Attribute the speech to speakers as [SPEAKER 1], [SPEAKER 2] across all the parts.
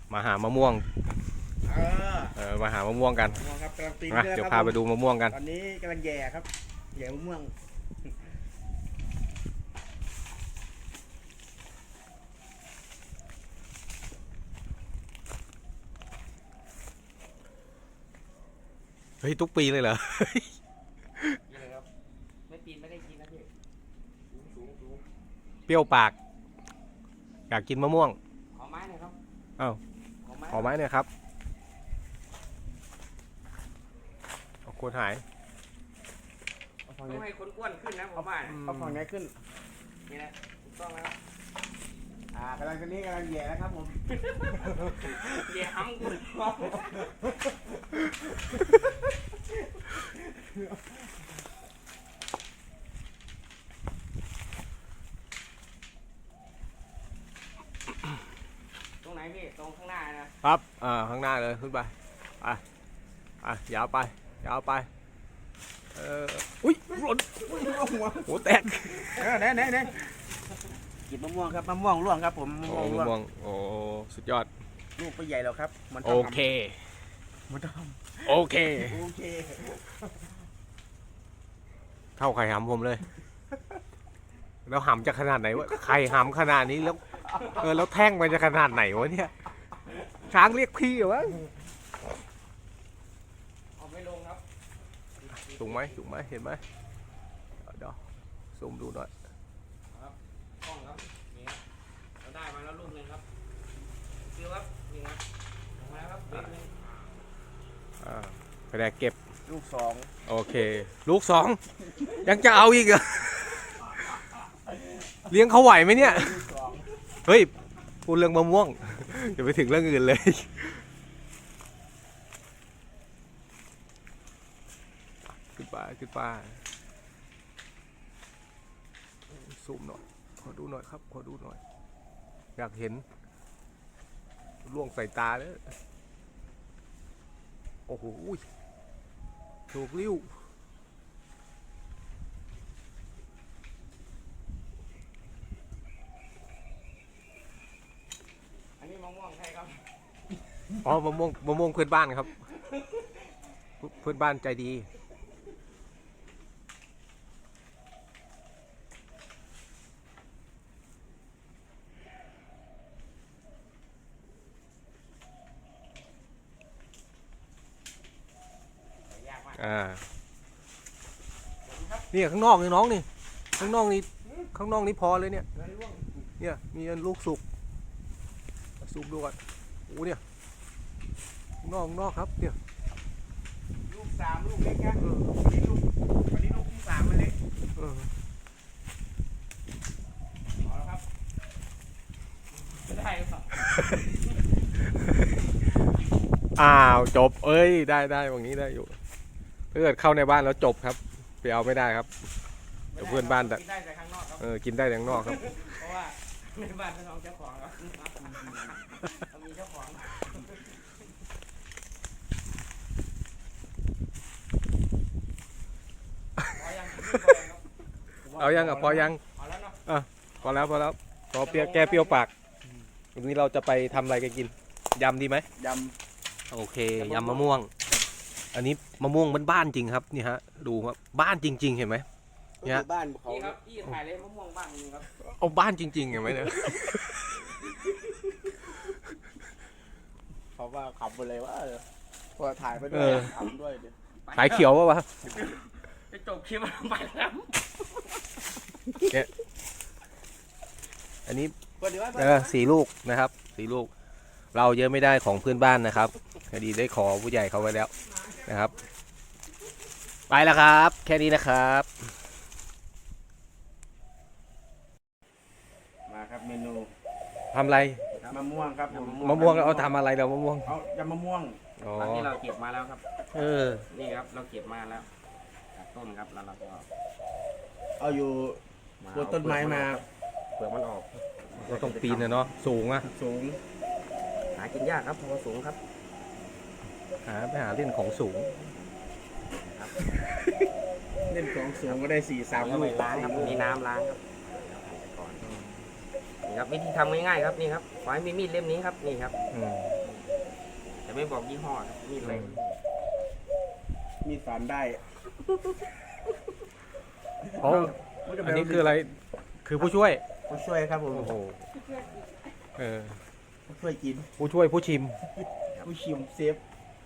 [SPEAKER 1] มาหามะม่วงมาหามะม่วงกัน
[SPEAKER 2] ครับกำลังปีน
[SPEAKER 1] นะเดี๋ยวพาไปดูมะม่วงกัน
[SPEAKER 2] ตอนนี้กำลังแย่ครับแย่มะม่วง
[SPEAKER 1] เฮ้ยทุกปีเลยเหรอ
[SPEAKER 2] นี่เลยครับไม่ปีนไม่ได้กินนะพี่สูง
[SPEAKER 1] เปรี้ยวปากอยากกินมะม่วง
[SPEAKER 2] ขอไม้หน่อยครับ
[SPEAKER 1] อ้าวขอไม้หน่อยครับโคนหาย
[SPEAKER 2] ต้องให้คนอ้วนขึ้นนะผมว่าเอาฝั่งนี้ขึ้นนี่นะถูกต้องแล้วกำลังคนนี้กำลังแย่นะครับผมแย่ห้ำกูตรงไหนพี่ตรงข้างหน้านะครับ
[SPEAKER 1] ข้างหน้าเลยขึ้นไปยาวไปอุ้ยหล่นหัวแตก
[SPEAKER 2] ไหนกินมะม่วงครับมะม่วงร่วงครับผมมะม่วง
[SPEAKER 1] โอ้สุดยอด
[SPEAKER 2] ลูกไม่ใหญ่แล้วครับ
[SPEAKER 1] โอเคเข้าไข่หำผมเลยแล้วหำจะขนาดไหนวะไข่หำขนาดนี้แล้วแท่งมันจะขนาดไหนวะเนี่ยช้างเรียกพี่เหรอวะ
[SPEAKER 2] เอาไม่ลงครับ
[SPEAKER 1] สูงไหมเห็นไหมเดี๋ยวซูมดูหน่อย
[SPEAKER 2] ครับกล้องครับนี่เราได้มาแล้วลูกนึงครับคือครับนี่ครับออกมาแล้วครับ
[SPEAKER 1] กระแดกเก็บ
[SPEAKER 2] ลูก2
[SPEAKER 1] โอเคลูก2ยังจะเอาอีกเหรอเลี้ยงเขาไหวไหมเนี่ยเฮ้ยพูดเรื่องมะม่วงอย่าไปถึงเรื่องอื่นเลยขึ้นไปซูมหน่อยขอดูหน่อยครับอยากเห็นล่วงใส่ตาเลยโอ้โหถูกลิ้ว
[SPEAKER 2] อันนี้มะม่วงใช่ครับ
[SPEAKER 1] อ๋อมะม่วงเพื่อนบ้านครับเพื่อนบ้านใจดีนี่ข้างนอกนี่น้องนี่ข้างนอกนี่พอเลยเนี่ยมีอันลูกสุกดูก่อนโอ้เนี่ยข้างนอกครับเนี่ย
[SPEAKER 2] ลูก3ลูกเล็กนะวันนี้ลูกที่3มันเล็กเอาละครับไม่ได้หรือเปล่า
[SPEAKER 1] จบเอ้ยได้ตรงนี้ได้อยู่ถ้าเกิดเข้าในบ้านแล้วจบครับไปเอาไม่ได้ครับเดี๋ยวเพื่อนบ้าน
[SPEAKER 2] กินได้แต่ข้างนอกครับ
[SPEAKER 1] กินได้แต่ข้างนอกครับ
[SPEAKER 2] เพราะว่าในบ้านเป็นของเจ้าของครับมีเจ้าของ
[SPEAKER 1] เอายังพอยังพอแล้วพอเปรี้ยวแก้เปรี้ยวปากวันนี้เราจะไปทำอะไรกันกินยำดีไหม
[SPEAKER 2] ย
[SPEAKER 1] ำโอเคยำมะม่วงอันนี้มะม่วงบ้านจริงครับนี่ฮะดูครับบ้านจริงๆเห็นไหม
[SPEAKER 2] เนี่ยบ้านเขาครับพี่ถ่ายเลยมะม่วงบ้านจริงครับ
[SPEAKER 1] เอาบ้านจริงๆเห็นไหมเนี่ย
[SPEAKER 2] เขาว่าขับไปเลยว่าพอถ่ายไปด้วยขับด้วย
[SPEAKER 1] ถ่ายเขียววะ
[SPEAKER 2] จะจบคลิปไปแล้ว
[SPEAKER 1] เนี่ยอันนี้4 ลูกนะครับ4 ลูกเราเยอะไม่ได้ของเพื่อนบ้านนะครับคดีได้ขอผู้ใหญ่เขาไว้แล้วนะครับไปแล้วครับแค่นี้นะครับ
[SPEAKER 2] มาครับเมนู
[SPEAKER 1] ทำอะไร
[SPEAKER 2] มะม่วงครับ
[SPEAKER 1] มะม่วงเอาทำอะไรเรามะม่วง
[SPEAKER 2] เอายำมะม่วงตอนที่เราเก็บมาแล้วครับนี่ครับเราเก็บมาแล้วต้นครับแล้วเราก็เอาอยู่บนต้นไม้มาเปลือกมันออก
[SPEAKER 1] เราต้องปีนนะเนาะสูง
[SPEAKER 2] หากินยากครับเพราะว่าสูงครับ
[SPEAKER 1] ไปหาเล่นของสูง
[SPEAKER 2] เล่นของสูงก็ได้4-3 ลูก
[SPEAKER 1] ล้างครับ
[SPEAKER 2] มีน้ำล้างครับ
[SPEAKER 1] น
[SPEAKER 2] นี่ครับวิธีทำง่ายๆครับนี่ครับขอให้มีมีดเล่มนี้ครับนี่ครับ
[SPEAKER 1] อืม
[SPEAKER 2] แต่ไม่บอกยี่ห้อครับมีดอะไร
[SPEAKER 3] มีดฝานได้
[SPEAKER 1] อ๋ออันนี้คืออะไรคือผู้ช่วย
[SPEAKER 3] ผู้ช่วยครับผม
[SPEAKER 1] โอ้โหเออ
[SPEAKER 3] ผู้ช่วยกิน
[SPEAKER 1] ผู้ช่วยผู้ชิม
[SPEAKER 3] ผู้ชิมเซฟ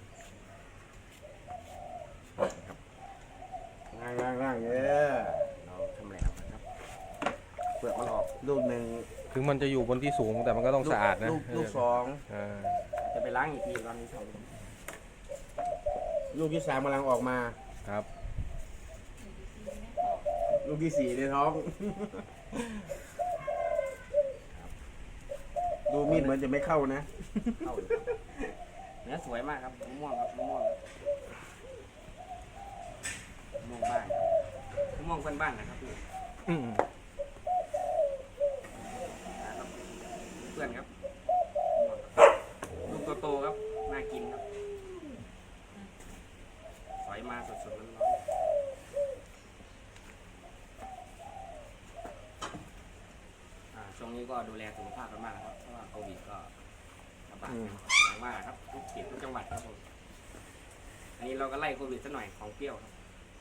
[SPEAKER 3] ล่างเออ
[SPEAKER 2] เราทำอะไรครับเปลือกมันออก
[SPEAKER 3] ลูกหนึ่ง
[SPEAKER 1] ถึงมันจะอยู่บนที่สูงแต่มันก็ต้องสะอาดนะ
[SPEAKER 3] ลูกสอง
[SPEAKER 1] อ่า
[SPEAKER 2] จะไปล้างอีกทีตอนนี้ท
[SPEAKER 3] ลูกที่สามกำลังออกมา
[SPEAKER 1] ครับ
[SPEAKER 3] ลูกที่สี่ในท้อง ดูมีดเหมือนจะไม่เข้านะ
[SPEAKER 2] ำเข้าอยู่ครับเนื้อสวยมากครับมะม่วงครับมะม่วงบ้านมะม่วงเพื่อนบ้านนะครับพี่
[SPEAKER 1] อืม
[SPEAKER 2] นะครับเพื่อนครับลูกโตๆครับน่ากินครับสอยมาสดๆร้อนๆช่วงนี้ก็ดูแลสุขภาพกันมากนะครับเพราะว่าโควิดก็ระบาดอย่างว่าครับทุกเขตทุกจังหวัดครับผมอันนี้เราก็ไล่โควิดซะหน่อยของเปรี้ยวครับ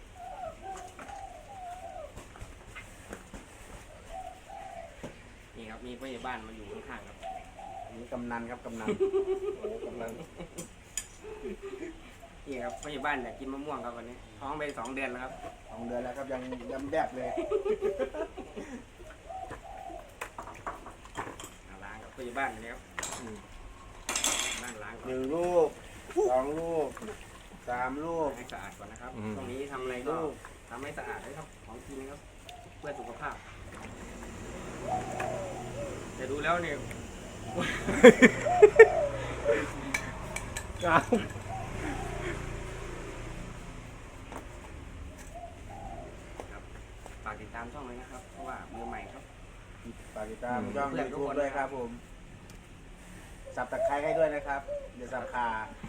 [SPEAKER 2] นี่ครับมีผู้ใหญ่บ้านมาอยู่ข้างๆครับ
[SPEAKER 3] อันนี้กำนันครับกำนัน
[SPEAKER 1] โอ้กำลัง
[SPEAKER 2] นี่ครับผู้ใหญ่บ้านอยากกินมะม่วงครับวันนี้ท้องไป2 เดือนแล้วครับ
[SPEAKER 3] 2 เดือนแล้วครับยังยำแดบเลย
[SPEAKER 2] ล้างกับผู้ใหญ่บ้านนี่ครับล้างก่อน
[SPEAKER 3] 1 ลูก 2 ลูก 3 ลูก
[SPEAKER 2] ให้สะอาดก่อนนะครับตรงนี้ทำอะไรก็ทำให้สะอาดด้วยครับของกินนะครับเพื่อสุขภาพแต่ดูแล้วเนี่ย
[SPEAKER 1] อ้าว
[SPEAKER 2] ฝากติดตามช่องเลยนะครับเพราะว่ามือใหม่ครับ
[SPEAKER 3] ฝากติดตามช่องยูทูบด้วยครับผม สับตะไคร้ให้ด้วยนะครับอย่าสับขา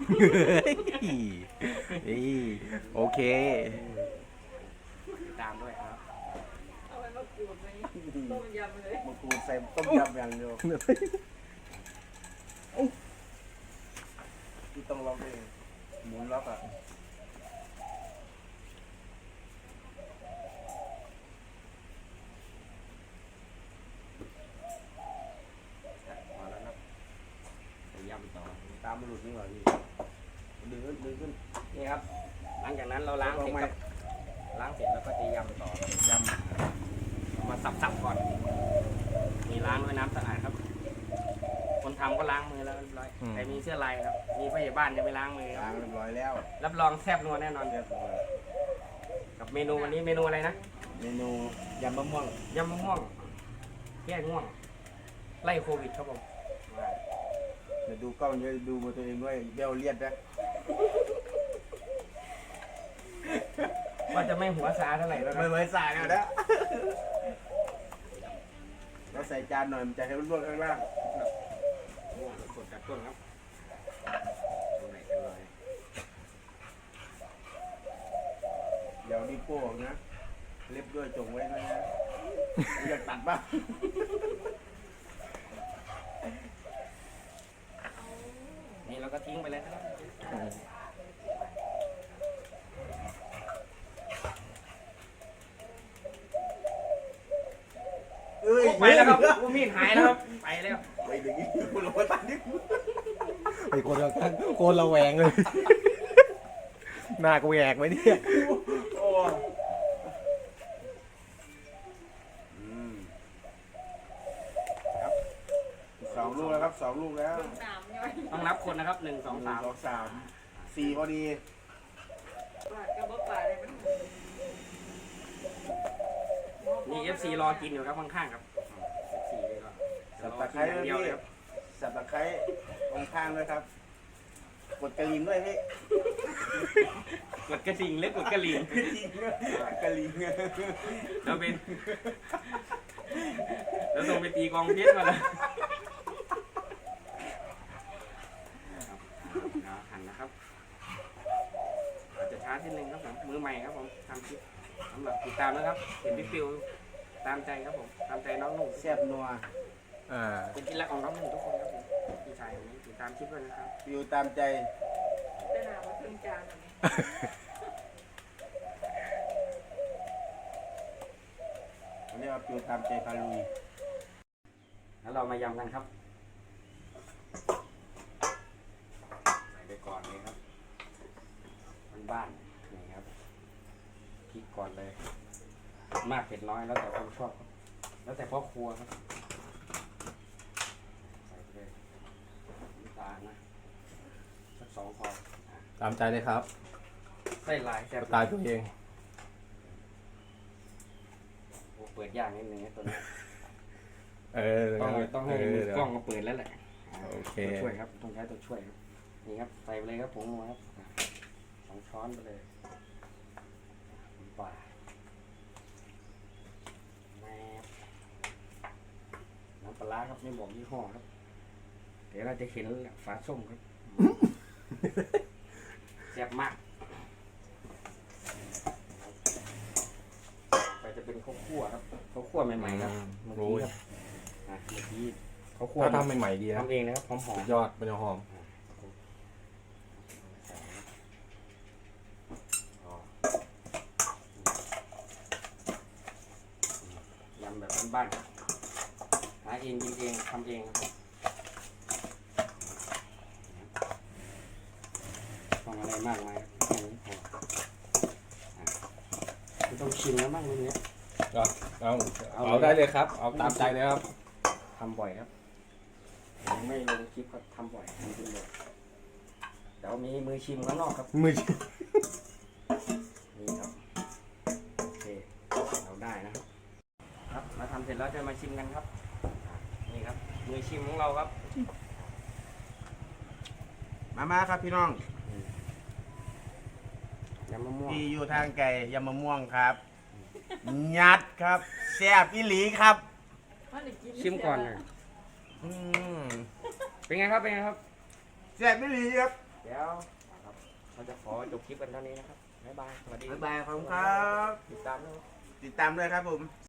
[SPEAKER 1] นี่โอเค
[SPEAKER 2] ติดตามด้วยครับ
[SPEAKER 4] เอาไปมะกรูดไหมต้มยำเลย
[SPEAKER 3] มะกรูดใส่ต้มยำอย่างเดียวที่ต้องล็อกเองหมุนล็อกอ่ะ
[SPEAKER 2] พอแล้วนะไปยำต่อ
[SPEAKER 3] ตามมันหลุดนี่หว่าพี่ดึงขึ้น
[SPEAKER 2] นี่ครับ หลังจากนั้นเราล้างเสร็จครับล้างเสร็จแล้วก็จะยำต่อยำมาสับๆก่อนมีล้างด้วยน้ำสะอาดครับ คนทำก็ล้างมือแล้วเรียบร้อยใครมีเสื้อลายครับมีผู้ใหญ่บ้านจะไม่ล้างมือค
[SPEAKER 3] ล้า
[SPEAKER 2] รับ
[SPEAKER 3] งเรียบร้อยแล้ว
[SPEAKER 2] รับรองแซ่บนัวแน่นอน
[SPEAKER 3] เรียบร้อย
[SPEAKER 2] กับเมนูวันนี้เมนูอะไรนะ
[SPEAKER 3] เมนูยำมะม่วง
[SPEAKER 2] ยำมะม่วงแก้ง่วง ไล่โควิดครับผม
[SPEAKER 3] เดี๋ยวดูกล้องเยอะดูมาตัวเองด้วยเบี้ยวเลียดนะ
[SPEAKER 2] ว่าจะไม่หัวซาเท่าไหร่แล้ว
[SPEAKER 3] ไม่
[SPEAKER 2] นะ
[SPEAKER 3] เหมือนสายนะเราใส่จานหน่อยมันจะให้มันลวกข้างล่าง
[SPEAKER 2] ม่วงสดจากต้นครับตรงไหนกันเลย
[SPEAKER 3] เดี๋ยวนี่โป้งนะเล็บด้วยจงไว้ด้วยนะอยากตัดบ้าง
[SPEAKER 2] นี่เราก็ทิ้งไปเลยครับ
[SPEAKER 3] เอ้ย
[SPEAKER 2] ไปแล้วครับมีดหายแล้วครับไปแล้ว
[SPEAKER 3] ไปดึงนี่คุณลงมาตัดนี่
[SPEAKER 1] ไอ้คนละแวงเลย หน้ากูแหกไหมเนี่ย
[SPEAKER 3] โอ้ครับ2 ลูกแล้วครับ2 ลูกแล้ว
[SPEAKER 4] สามย่อย
[SPEAKER 2] ต้องนับคนนะครับ1 2
[SPEAKER 3] 1
[SPEAKER 2] 3
[SPEAKER 3] 2 3 4พอดี
[SPEAKER 4] ปาดกระบอกปาดเลยมัน
[SPEAKER 2] นี่ FC รอกินอยู่ครับข้างๆครับ FC เลยก็
[SPEAKER 3] สับตะไคร้
[SPEAKER 2] รอกินอย่าง
[SPEAKER 3] ด้วย
[SPEAKER 2] เดียว
[SPEAKER 3] พี่
[SPEAKER 2] เลยครับ
[SPEAKER 3] สับตะไคร้ตรงข้างด้วยครับ กดกระลิ่งด้วยพี่
[SPEAKER 2] กดกระดิ่งเล็กกดกระลิ่ง
[SPEAKER 3] กระลิ่ง
[SPEAKER 2] แล้วเป็นแล้วส่งไปตีกองเพชรมาเลยหั่นนะครับอาจจะช้าทีนึงครับผมมือใหม่ครับผมทำคลิปสำหรับติดตามนะครับเห็นพี่ฟิวตามใจครับผมตามใจน้องหนุ่ม
[SPEAKER 3] แซ่บนัว
[SPEAKER 2] เป็นที่รักของน้องหนึ่งทุกคนครับผมพี่ชายผมติดตามคลิปด้วยนะครับ
[SPEAKER 3] อยู่ตามใจ
[SPEAKER 4] เป็นหนาว่าเครื่องจานอะไร
[SPEAKER 3] อันนี้ว่าอยู่ตามใจพาลุย
[SPEAKER 2] แล้วเรามายำกันครับใส่ไปก่อนเลยครับบ้านๆนี่ครับพริกก่อนเลยมากเผ็ดน้อยแล้วแต่คนชอบครับแล้วแต่พ่อครัวครับใส่ไปเลยน้ำตาลนะสัก2 พอ
[SPEAKER 1] ตามใจเลยครับ
[SPEAKER 2] ใส่ลายแซ่บ
[SPEAKER 1] สไตล์ตัวเอง
[SPEAKER 2] โอ้เปิดยากนิดนึงนะตัวนี้ ต้องให้มือกล้องมาเปิดแล้วแหละ
[SPEAKER 1] โอเค
[SPEAKER 2] ตัวช่วยครับต้องใช้ตัวช่วยครับนี่ครับใส่ไปเลยครับผงนัวครับ2 ช้อนไปเลยปลาแม่น้ำปลาร้าครับไม่บอกยี่ห้อครับเดี๋ยวเราจะเห็นฝาส้มครับแซ่บมากไปจะเป็นข้าวคั่วครับข้าวคั่วใหม่ๆครับเมื่อกี้ครับเมื่อกี้ข้าวคั่ว
[SPEAKER 1] ถ้าทำใหม่ๆดีนะ
[SPEAKER 2] ทำเองนะครับหอ
[SPEAKER 1] สุ
[SPEAKER 2] ม
[SPEAKER 1] ดยอดมันจะหอม
[SPEAKER 2] ยำแบบบ้านๆหาเองกินเองทำเองครับต้องอะไรมากมายแค่นี้พอไม่ต้องชิมแล้วบ้างรุ่นนี้
[SPEAKER 1] เอาได้เลยครับ เอาตามใจเลยครับ
[SPEAKER 2] ทำบ่อยครับผมไม่ลงคลิปก็ทำบ่อยทำจริงบ่อยเดี๋ยวมีมือชิมข้างนอกครับ
[SPEAKER 1] มือ
[SPEAKER 2] นี่ครับโอเคเราได้นะครับครับมาทำเสร็จแล้วจะมาชิมกันครับนี่ครับมือชิมของเราครับ
[SPEAKER 3] มาครับพี่น้อง
[SPEAKER 2] ยำมะม่วง
[SPEAKER 3] ที่อยู่ทางไก่ยำมะม่วงครับยัดครับแซ่บอีหลีครับ
[SPEAKER 2] ชิมก่อนเลย
[SPEAKER 3] อืม
[SPEAKER 2] เป็นไงครับเป็นไงครับ
[SPEAKER 3] แซ่บอีหลีครับ
[SPEAKER 2] เดี๋ยวครับเราจะขอจบคลิปกันเท่านี้นะครับบ๊ายบายสวัสดี
[SPEAKER 3] บ๊ายบายขอบคุณครับ
[SPEAKER 2] ติดตามด้วย
[SPEAKER 3] ติดตามด้วยครับผม